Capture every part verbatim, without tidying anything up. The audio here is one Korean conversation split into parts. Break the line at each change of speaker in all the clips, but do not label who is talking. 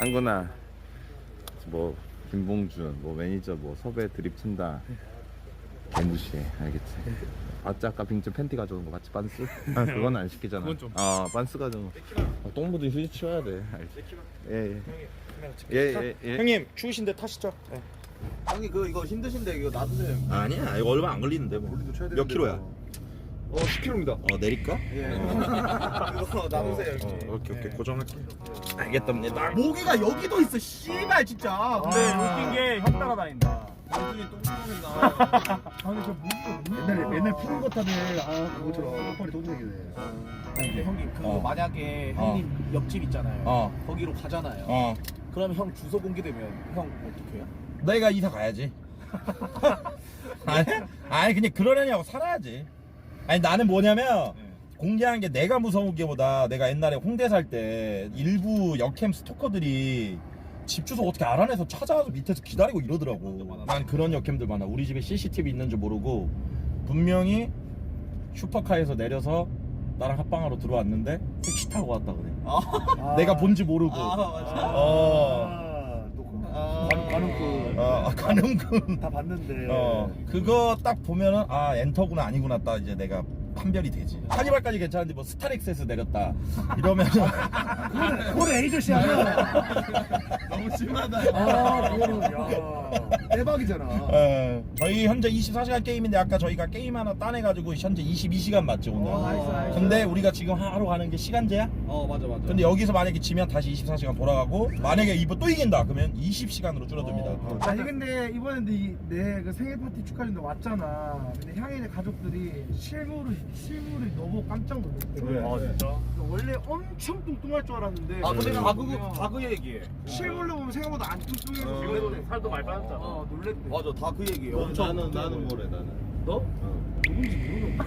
상근아, 뭐 김봉준, 뭐 매니저, 뭐 섭외 드립 친다. 개무시해, 알겠지? 아짜 아까 빙준 팬티 가져온 거 맞지? 반스? 아, 그건 안 시키잖아.
그건 좀.
아, 반스 가져온 거. 아, 똥 묻은 휴지 치워야 돼. 알지? 예, 예. 예, 예, 예.
형님 추우신데 타시죠. 네.
형님 그 이거 힘드신데 이거 놔두세요.
아니야 이거 얼마 안 걸리는데 뭐. 몇 킬로야?
어 십 킬로입니다.
어 내릴까?
예. 이거 놔두세요
어,
형님.
오케이 오케이 고정할게. 알겠답니다.
모기가 여기도 있어. 씨발 진짜.
근데 웃긴 게 형 따라다닌다.
모기이 똥구멍이다.
아니 저 모기가 맨날 맨날 푸는 것 하네. 아 그거처럼 턱걸이 똥구멍이네.
아니 근데 형님 그거
어.
만약에
어.
형님 옆집 있잖아요.
어.
거기로 가잖아요.
어.
그럼 형 주소 공개되면 형 어떻게 해요?
내가 이사 가야지. 아니 아니 그냥 그러려냐고 살아야지. 아니 나는 뭐냐면 공개한 게 내가 무서운 게보다 내가 옛날에 홍대 살 때 일부 역캠 스토커들이 집 주소 어떻게 알아내서 찾아와서 밑에서 기다리고 이러더라고. 난 그런 역캠들 많아. 우리 집에 씨씨티비 있는 줄 모르고 분명히 슈퍼카에서 내려서 나랑 합방하러 들어왔는데 택시 타고 왔다 그래.
아.
내가 본지 모르고.
아 맞아.
어.
아, 또 그-
아.
가는 가는군.
어, 가는군.
다 봤는데.
어, 그거 딱 보면은 아 엔터구나 아니구나 딱 이제 내가 판별이 되지. 카니발까지 괜찮은데 뭐 스타렉스에서 내렸다 이러면은
그거는 에이저씨 아니야.
너무 심하다.
아 그거는 야 대박이잖아.
어, 저희 현재 이십사 시간 게임인데 아까 저희가 게임 하나 따내가지고 현재 이십이 시간 맞지 오늘.
어, 나이스, 나이스.
근데 우리가 지금 하러 가는 게 시간제야?
어 맞아 맞아.
근데 여기서 만약에 지면 다시 이십사 시간 돌아가고 만약에 이번 또 이긴다 그러면 이십 시간으로 줄어듭니다.
어, 아니 근데 이번에 내그 생일 파티 축하해준다 왔잖아. 근데 향이네 가족들이 실물을 실물이 너무 깜짝 놀랐대.
왜?
아 진짜?
원래 엄청 뚱뚱할 줄 알았는데.
아 근데
실물로
가그
보면-
다그 얘기해.
실물로 보면 생각보다 안 뚱뚱해서
어.
놀랬대.
살도 많이 빠졌잖아.
어 놀랬대.
맞아 다 그 얘기예요.
어, 나는 나는 뭐래 나는.
너? 누군지 모르는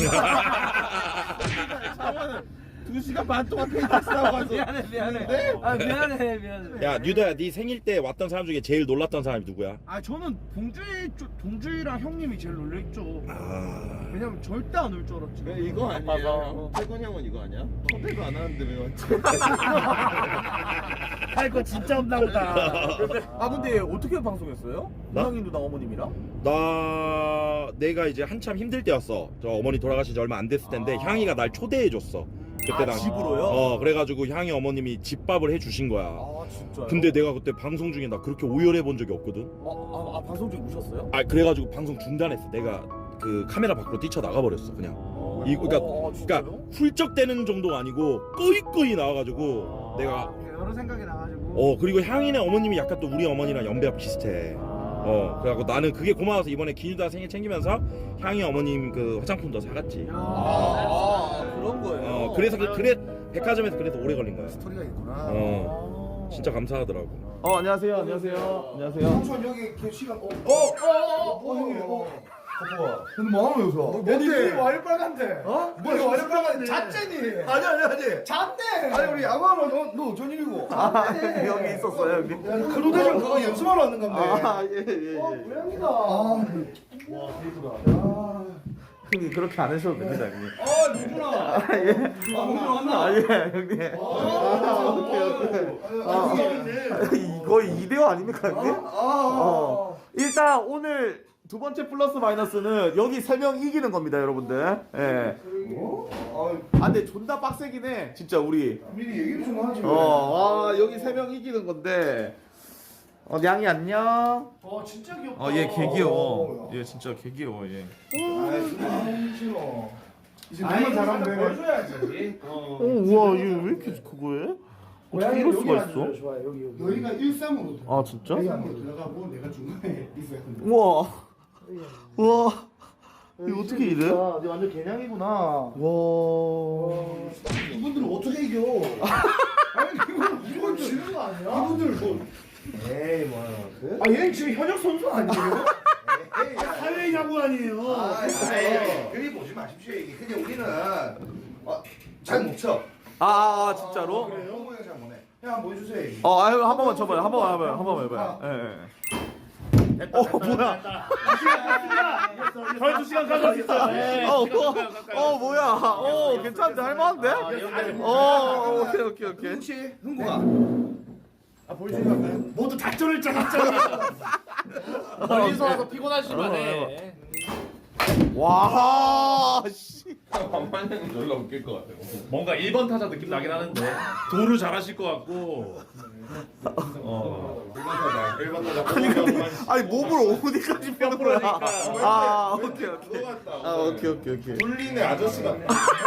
두 시간 반 동안 펜타스 하고 와서.
미안해 미안해.
네?
아 미안해 미안해.
야 뉴더야 네 생일 때 왔던 사람 중에 제일 놀랐던 사람이 누구야?
아 저는 봉준이 쪽- 동준이랑 형님이 제일 놀랬죠.
아...
왜냐면 절대 안 올 줄 알았지.
왜 이거 아니야? 태권 형은 이거 아니야? 섭외도 안 하는데 왜 왔지?
할 거 진짜 없나 보다.
아 근데 어떻게 방송했어요?
나?
형님 누나 어머님이랑?
나 내가 이제 한참 힘들 때였어. 저 어머니 돌아가신 지 얼마 안 됐을 텐데
아.
향이가 날 초대해 줬어. 그때
아,
당
집으로요?
어 그래가지고 향이 어머님이 집밥을 해주신 거야.
아 진짜요?
근데 내가 그때 방송 중에 나 그렇게 오열해 본 적이 없거든.
아, 아, 아 방송 중에 우셨어요?
아 그래가지고 방송 중단했어. 내가 그 카메라 밖으로 뛰쳐 나가 버렸어 그냥. 이 그러니까
어, 진짜요?
그러니까 훌쩍대는 정도가 아니고 꺼이꺼이 나와가지고 내가
여러 생각이 나가지고.
어 그리고 향이네 어머님이 약간 또 우리 어머니랑 연배가 비슷해. 어 그래갖고 나는 그게 고마워서 이번에 기뉴다 생일 챙기면서 향이 어머님 그 화장품도 사갔지.
아, 아 그런 거예요?
어 그래서 그- 그래 백화점에서 그래서 오래 걸린 거야.
스토리가 있구나.
어 진짜 감사하더라고.
어 안녕하세요 안녕하세요 안녕하세요.
형수님 여기 그 시간 어. 어. 어. 어. 형님. 어. 근데 뭐하는 여기서? 뭔데? 와이 빨간데. 어? 뭐야 와이 빨간데? 잣쟁이.
아니 아니 아니
잣네. 아니 우리 야구하면 너, 너 전일이고. 잣네.
여기 있었어요 여기?
그 대전 그거 연습하러 왔는 건데.
아예예 예.
어, 고양이다. 아.
형님 그렇게 안 하셔도 됩니다 형님.
아, 누구나.
예.
아, 누구나 왔나?
아예 형님.
아,
오케이 오케이.
아,
이- 거의 이 대오 아닙니까 형님?
아,
어. 일단 오늘 두 번째 플러스 마이너스는 여기 세 명 이기는 겁니다 여러분들. 예. 아 근데 존나 빡세긴 해 진짜 우리.
미리 얘기 좀 하지.
어, 아 여기 세 명 이기는 건데. 어, 냥이 안녕.
어, 진짜 귀엽다.
어, 얘 개 귀여워. 얘 진짜 개 귀여워, 얘.
아, 싫어. 이제 너만 잘하면 돼. 보여줘야지.
어, 우와, 얘 왜 이렇게 그거 해? 어떻게 이럴 수가 있어?
좋아요. 여기 여기. 여기가 일상으로.
아, 진짜?
일상으로 들어가고 내가 중간에 있어야 된다.
우와. 우와. 이거 어떻게 이래?
네 완전 개냥이구나.
와.
이분들은 어떻게 이겨? 아니 이건 이건 지는 거 아니야? 이분들 뭐? 에이 뭐. 아 얘는 지금 현역 선수 아니에요? 에이 사회 야구 아니에요?
아, 아이, 그리 보지 마십시오. 이게 그냥 우리는 어, 잘 못 쳐.
아, 진짜로?
그래요? 형잘 못해. 형 한번 보여주세요. 이게.
어, 아유, 한 번만 쳐봐요. 한 번만 해봐요. 한 번만 해봐요. 예, 예. 어, 뭐야?
거의 두 시간 가까이 있어. 네.
어, 어, 어, 뭐야? 어, 괜찮은데? 할만한데? 어, 오케이, 오케이, 오케이.
혹시 흥국아?
아 보여주려고요? 모두 작전을 짜놨잖아.
멀리서 와서 피곤하시면해.
와, 씨.
반만 형이 졸라 웃길 것 같아요.
뭔가 일 번 타자 느낌 나긴 하는데 도루 잘하실 것 같고.
아니 근데 아니 몸을 어디까지 펴는 거야? 아, 오케이 오케이. 아, 오케이 오케이 오케이.
돌리네 아저씨 같네.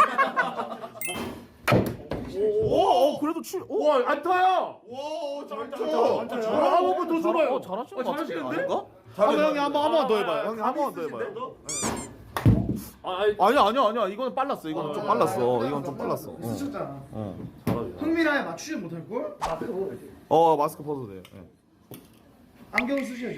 오, 오 그래도 출. 오, 안 타요.
와, 잘
한 번만 더 줘봐요.
잘하시는
것 같은데?
아닌가?
한번 형이 한번 한번 더 해봐요. 형이 한 번 더 해봐요. 아, 아니,
아니야 아니야 아니야 이거는 빨랐어 이거는 좀 빨랐어 이건 좀 빨랐어. 어,
쓰셨잖아.
어.
흥미라에 맞추지 못할 걸?
어 마스크 벗어도 돼요. 네.
안경 쓰셔야죠.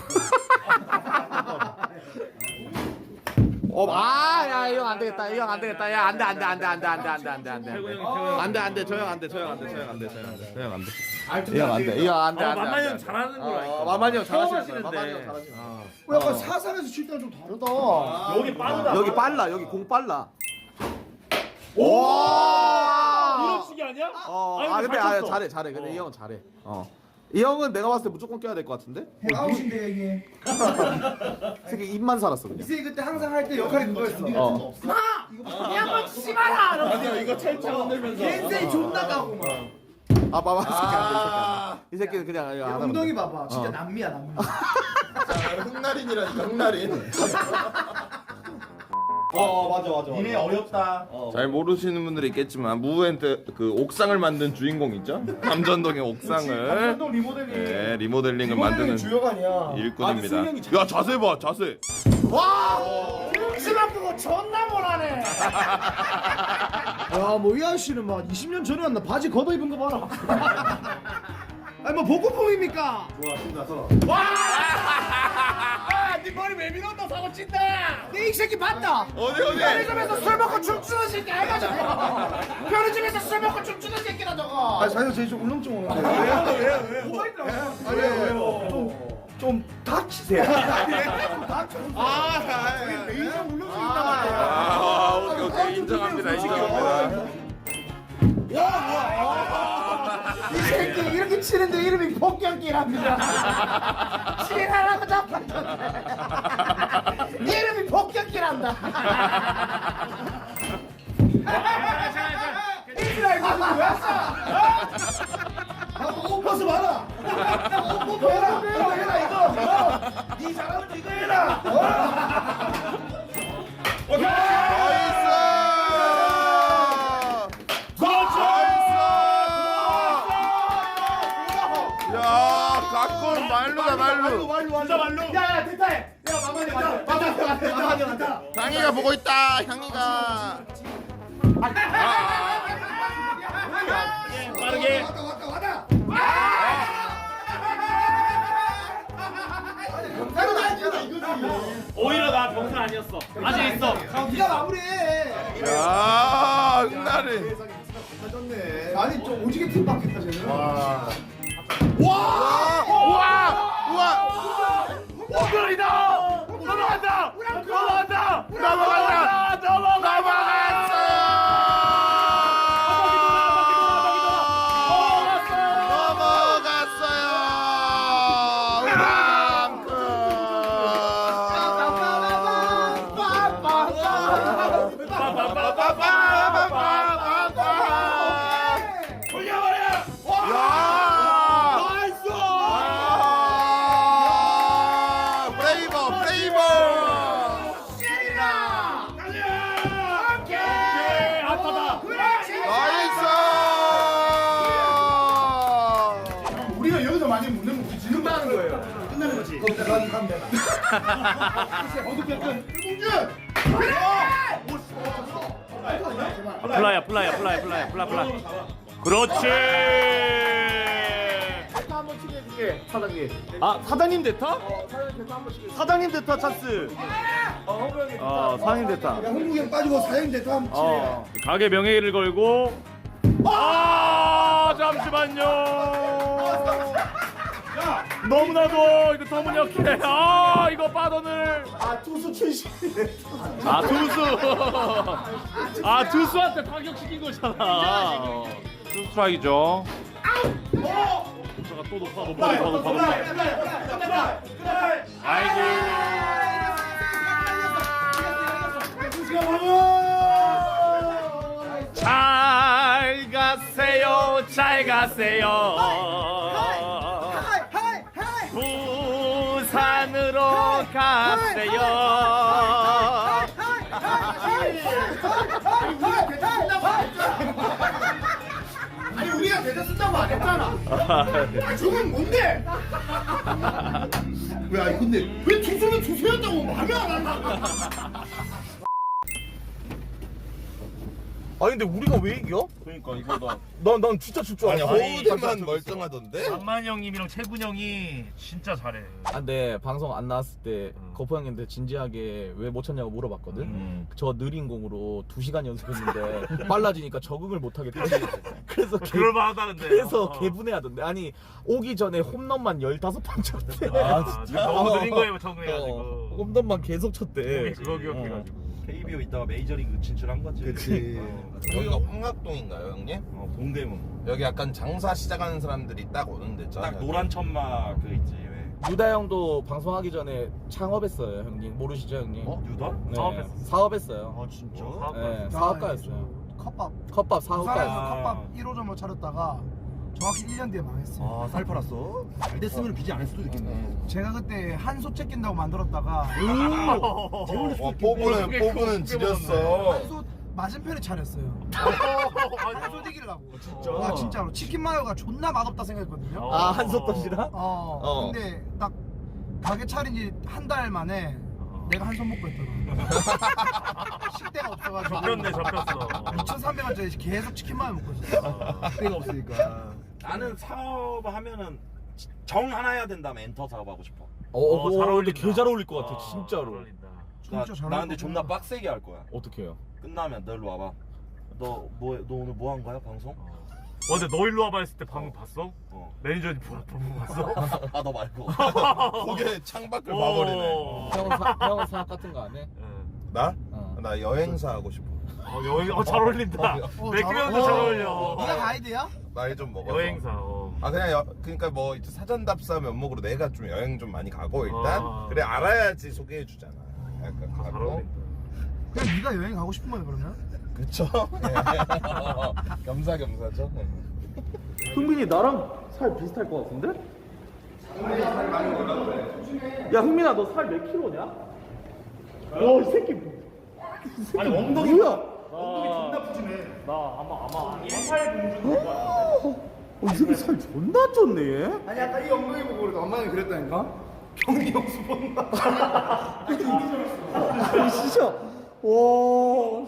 어, 아, 야, 이거 안 되겠다. 이거 안 되겠다. 야, 안 돼, 안 돼, 안 돼, 안 돼, 안 돼, 안 돼, 안 돼, 안 돼, 안 돼. 안 돼, 안 돼, 저 형 안 돼, 저 형 안 돼, 저 형 안 돼, 저 형 안 돼, 저 형 안 돼. 이거 안 돼, 이거 안 돼, 안 돼.
만만히 형 잘하는 거라니까.
어, 만만히 형
처음
잘하시는 거야.
하시는데.
만만히 형 잘하시는 거야.
어, 약간 사상에서 칠 때랑 좀 다르다.
여기 빠르다.
여기 빨라, 여기 공 빨라.
이런
오!
식이 아니야?
어,
아니,
아,
근데
근데
잘
아,
쳤어.
잘해, 잘해. 근데 이 형은 잘해. 어. 이 형은 내가 봤을 때 무조건 껴야 될 것 같은데?
아웃인데 이게.
새끼 입만 살았어
이
그냥.
새끼 그때 항상 할 때 역할이 그거였어.
어.
아니야, 이거 찰차 흔들면서.
겐세이 존나 가고 막.
아, 봐봐. 이 새끼 안 돼, 이 새끼 안 돼. 이 새끼는 그냥 이거 안 하면
엉덩이
돼.
봐봐. 진짜
어.
남미야 남미.
흑날인이라니까 흑날인.
어 맞아 맞아.
니네 어렵다.
잘 모르시는 분들이 있겠지만 무엔트 그 옥상을 만든 주인공 있죠? 감전동의 옥상을
감동 리모델링.
네, 리모델링을 만드는
주역 아니야.
일꾼입니다. 야 자세 봐 자세.
심한 그거 존나 못하네. 야뭐 이 아저씨는 막 이십 년 전에 왔나 바지 걷어 입은 거 봐라. 아니 뭐 복고풍입니까?
좋아 신나서.
네 머리 왜 밀었다 사고 친다.
내 이 새끼 봤다.
어디 어디?
편의점에서 술 먹고 춤추는 새끼 알가 저거. 편의점에서 술 먹고 춤추는 새끼다 저거.
아 자기가 제일 좀 울렁증 오는데.
왜요 왜요 왜요? 뭐가 있더라?
아 왜요 왜요? 좀 다치세요.
아, 레이저 울렁증 있단 말이야.
아 오케이 오케이 인정합니다 인정합니다.
이 새끼 이렇게 치는데 이름이 폭격기랍니다. 치라라고 잡았던데. 이름이 폭격기란다. 이스라엘 가서 왜 왔어? 옷 벗어 봐라. 옷 벗어 해라. 이거 해라 이거. 네 잘하면 이거 해라.
야 가끔 말루다 말루.
진짜 말로. 야야 대타해. 야 마마니 맞다. 맞다 맞다 맞다 맞다.
향이가 보고 있다 향이가.
빠르게.
왔다 왔다 왔다. 병사는 아니야 이거지.
오히려 나 병사 아니었어. 아직 있어.
네가 마무리해.
야 흑날이.
아니 좀 오지게 팀 바뀌었다 쟤는.
와 우와 우와.
오글이다. 넘어간다. 넘어간다.
넘어간다.
우리가 여기서 많이 묻는 거 지른다는 거예요. 끝나는 거지. 거기다 가면 가면 돼. 어떻게 약간 일공준.
플라이야 플라이야 플라이 플라이 플라 플라. 그렇지.
대타 한번 치게 해줄게 사장님.
아 사장님 대타?
사장님 대타 한번 치게.
사장님 대타 찬스.
어 홍보 형이.
어 사장님 대타.
야 홍국이 형 빠지고 사장님 대타 한번 치게.
어 가게 명예를 걸고. 아 잠시만요. 너무나도 이거 터무니없게. 아 이거 빠던을.
아 투수 출신.
아 투수. 아 투수한테 타격시킨 거잖아. 투수 스트라이크죠.
또 높아 높아 높아 높아 높아. 아이고. 잘 가세요 잘 가세요. 부산으로 가세요.
아니 우리가 대전 쓴다고 안 했잖아. 아 저건 뭔데? 왜 아니 근데 왜 투수는 투수였다고 말을 안 한다?
아니 근데 우리가 왜 이겨?
그러니까 이거다.
난 난 진짜 질 줄
아니
알았어.
허우대만 멀쩡하던데?
만만 형님이랑 채군 형이 진짜 잘해.
아, 근데 방송 안 나왔을 때 거포 형님한테 진지하게 왜 못 쳤냐고 물어봤거든.
음.
저 느린 공으로 두 시간 연습했는데 빨라지니까 적응을 못 하겠대. 그래서 개,
그럴 만하다 근데.
그래서
어.
개분해하던데. 아니 오기 전에 홈런만 열다섯 번 쳤대.
아 진짜 너무 느린 거에 적응해가지고.
어, 홈런만 계속 쳤대.
그거 기억해가지고.
케이비오 있다가 메이저리그 진출한 거지.
그치. 여기가 황학동인가요 형님?
어, 동대문.
여기 약간 장사 시작하는 사람들이 딱 오는 데잖아.
딱 노란 천마 그 있지. 왜?
유다 형도 방송하기 전에 창업했어요, 형님. 모르시죠, 형님?
어? 유다?
네,
사업했어.
사업했어요.
아 진짜?
네, 사업가였어요.
컵밥.
컵밥
부산에서
사업가.
컵밥 일 호점을 차렸다가 정확히 일 년 뒤에 망했어요.
아살 팔았어? 잘 됐으면 비지 안 했을 수도 있겠네.
제가 그때 한솥 챙긴다고 만들었다가
와 뽑으는 뽑으는 지렸어.
한솥 맞은편에 차렸어요. 한솥 이기려고.
진짜?
아 진짜로 치킨 마요가 존나 맛없다 생각했거든요.
아, 한솥 던지라?
어,
어.
근데 딱 가게 차린 지 한 달 만에 내가 한솥 먹고 있더라. 식대가 없어가지고
접혔네 접혔어.
이천삼백 원짜리 계속 치킨 마요 먹고 있었어.
때가 없으니까.
나는 사업 하면은 정 하나 해야 된다면 엔터 사업 하고 싶어.
어,
어,
어,
잘
근데
어울린다.
개 잘 어울릴 것 같아,
어,
진짜로.
잘 어울린다.
나,
진짜 잘
나 근데
어울리구나.
존나 빡세게 할 거야.
어떻게 해요?
끝나면 너 일로 와봐. 너 뭐 너 오늘 뭐 한 거야 방송?
어, 근데 너 일로 와봐 했을 때 방금 봤어?
어.
매니저님 보고 봤어?
아 너 말고.
고개 창밖을
어.
봐버리네.
형은, 사, 형은 사업 같은 거 안 해?
응.
나?
어.
나 여행사 하고 싶어.
어, 여행 어, 잘 어울린다.
어,
맥주면도
잘
잘
어울려.
어울려.
네가 가이드야?
나이 좀 먹어서.
여행사. 어.
아 그냥 여, 그러니까 뭐 이제 사전답사 면목으로 내가 좀 여행 좀 많이 가고 일단
아.
그래 알아야지 소개해 주잖아. 약간
잘
가고.
어울린다.
그냥 네가 여행 가고 싶은 거야 그러면?
그쵸? 네. 겸사겸사죠. 네.
흥민이 나랑 살 비슷할 것 같은데? 야 흥민아 너 살 몇 킬로냐? 와이 새끼 아니 엉덩이 뭐야?
엉덩이 존나 푸짐해.
어, 이 새끼 살 존나 쪘네 얘?
아니 아까 이 엉덩이 보고 우리 엄마는 그랬다니까? 경리 형수 본다.
아니 진짜 와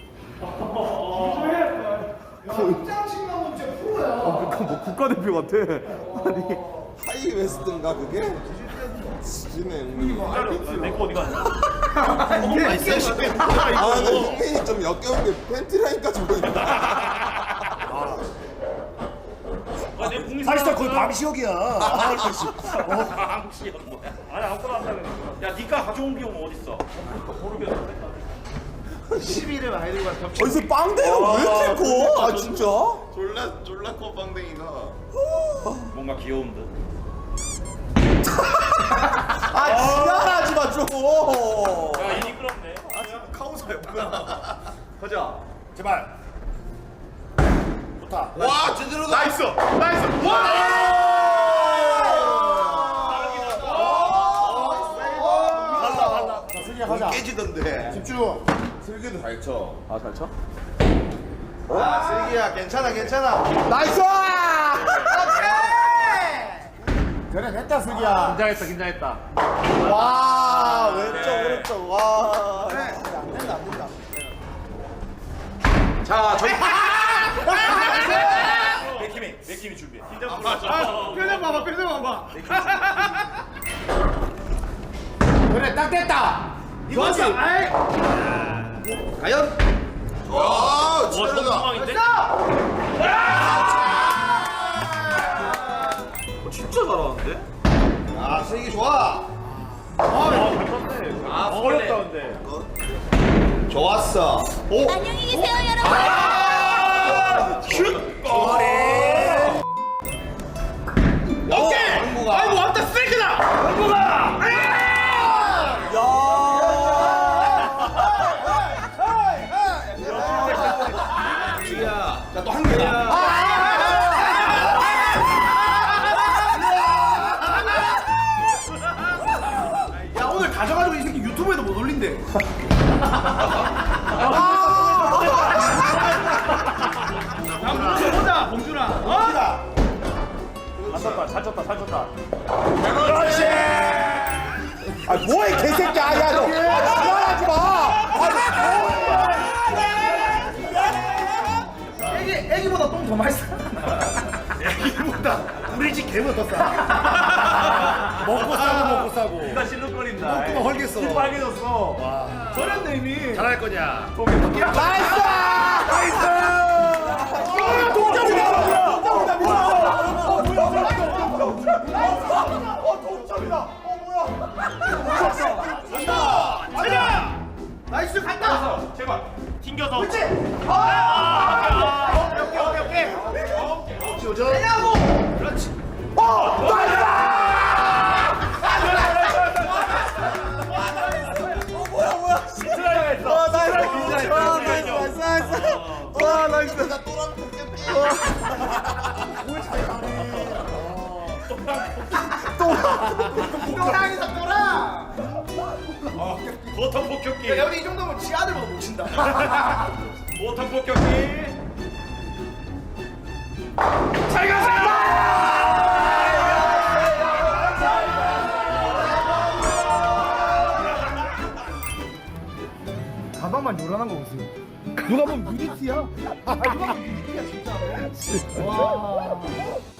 짱씩 나오면 진짜 프로야.
아, 그니까 뭐 국가대표 같아 아니
하이 웨스트인가 그게? 지네 형님.
내거 어디 갔냐?
아 근데 형님이 좀 역겨운 게 팬티라인까지 보인다.
아, 내 공이
사실상 거의 방시혁이야. 아, 그렇지.
방시혁 뭐야? 아니 아무거나 한다는 거. 야, 니가 가져온 비용 어딨어? 모르겠는데.
시비를 많이 들고 간
어디서 빵대가 왜 이렇게 커? 아 진짜?
졸라 졸라 커 빵댕이가.
뭔가 귀여운 듯.
아 지랄하지 마 좀.
야, 이 미끄럽네.
카우사였구나. 가자. 제발. 좋다.
와 제대로다.
나이스. 나이스. 와!
갈라 갈라. 자 승희야 가자.
깨지던데.
집중.
슬기도 잘 쳐.
아 잘 쳐?
아, 슬기야, 괜찮아, 괜찮아.
나이스! 오케이! 그래 됐다 승희야.
긴장했다, 긴장했다.
와 왼쪽 오른쪽 와
그래 안 된다 안 된다.
자, 저기.
맥힘이 맥힘이 준비해.
긴장 풀어줘.
표정 봐봐 표정 봐봐. 그래 딱 됐다. 이거지. 아이.
과연?
와
와,
제대로다.
정상인데?
진짜 잘하는데?
아, 슬기 좋아.
아, 잘 쳤네. 아, 어렵다, 근데.
좋았어. 오.
안녕히 계세요, 여러분.
슛! 와!
유튜브에도 못 올린대.
보자 봉준아. 어?
잘 쳤다 잘 쳤다 잘 쳤다.
아 뭐해 개새끼야 야너 지랄하지 마
애기 애기보다 똥 더 맛있어.
애기보다 우리 집 개보다 더 싸. 먹고 싸고 먹고 싸고.
네가 실룩거린다.
똥구멍 헐겠어.
입 빨개졌어.
저랬네 이미.
잘할 거냐?
나이스
나이스 간다.
제발 튕겨서.
그렇지.
아,
오케이 오케이 오케이 오케이. 조져. 그렇지. 또랑이다 또랑.
보통 폭격기.
야 여기 이 정도면 지 아들보다 못 친다.
보통 폭격기.
가방만 요란한 거 보세요. 누가 보면 유니티야. 아 누가 보면 유니티야 진짜. 와.